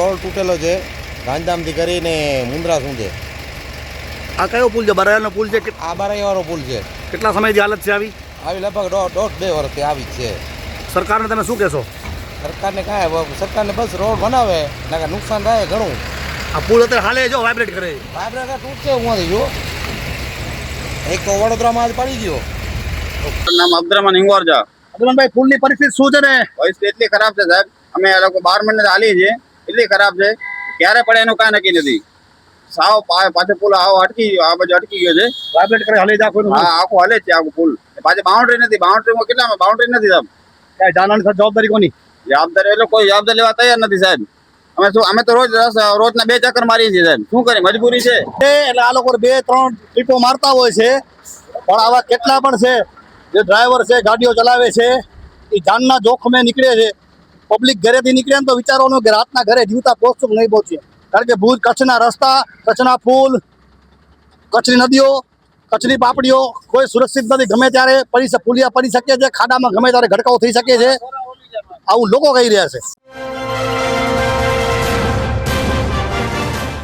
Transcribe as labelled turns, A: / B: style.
A: Toll તૂટેલો છે ગાંધીધામથી કરીને મુંદ્રા સુધી.
B: આ કયો પુલ છે? બરાયાનો પુલ છે?
A: આ બારાઈવાળો પુલ છે.
B: કેટલા સમયથી હાલત છે આવી?
A: આવી લગભગ દોઢ 2 વર્ષથી આવી જ છે.
B: સરકારને તમે શું કહેશો?
A: સરકારને કાંઈ સરકારને બસ રોડ બનાવે નાકા નુકસાન થાય ઘણું.
B: આ પુલ અત્યારે હાલે જો વાઇબ્રેટ કરે.
A: વાઇબ્રેટર તૂટશે ઉમાંથી જો. એક તો વડોદરામાં આજ પડી ગયો.
C: નામ અબ્દુરમાન હિંગોરજા.
B: અબ્દુલભાઈ, પુલની પરિસ્થિતિ શું છે ને?
C: પરિસ્થિતિ એટલી ખરાબ છે સાહેબ, અમે આ લોકો 12 મહિને હાલી છે, એટલી ખરાબ છે ક્યારે પડે એનું કાંઈ નક્કી નથી. સાવ પાછો પુલ આવો અટકી ગયો, આ બાજુ અટકી ગયો છે.
B: વાઇબ્રેટ કરે હાલે આખો.
C: હા, આખું હાલે છે આખું પુલ. પાછી બાઉન્ડ્રી નથી, બાઉન્ડ્રીમાં કેટલામાં બાઉન્ડ્રી નથી સાહેબ.
B: કાંઈ જાણવાની જવાબદારી કોની?
C: જવાબદારી એટલે કોઈ જવાબદારી લેવા તૈયાર નથી સાહેબ. અમે તો રોજના 2 ચક્કર મારીએ છીએ સાહેબ. શું કરીએ, મજબૂરી છે.
B: એટલે આ લોકો 2-3 ટ્રીપો મારતા હોય છે, પણ આવા કેટલા પણ છે જે ડ્રાઈવર છે, ગાડીઓ ચલાવે છે, એ જાનના જોખમે નીકળે છે. પબ્લિક ઘરેથી નીકળે ને તો વિચારવાનું કે રાતના ઘરે જીવતા પહોંચશું કે નહીં પહોંચીએ. કારણ કે ભુજ કચ્છના રસ્તા, કચ્છના પુલ, કચ્છની નદીઓ, કચ્છની પાપડીઓ કોઈ સુરક્ષિત નથી. ગમે ત્યારે પુલિયા પડી શકે છે, ખાડામાં ગમે ત્યારે ગડકાઓ થઈ શકે છે. આવું લોકો કહી રહ્યા છે.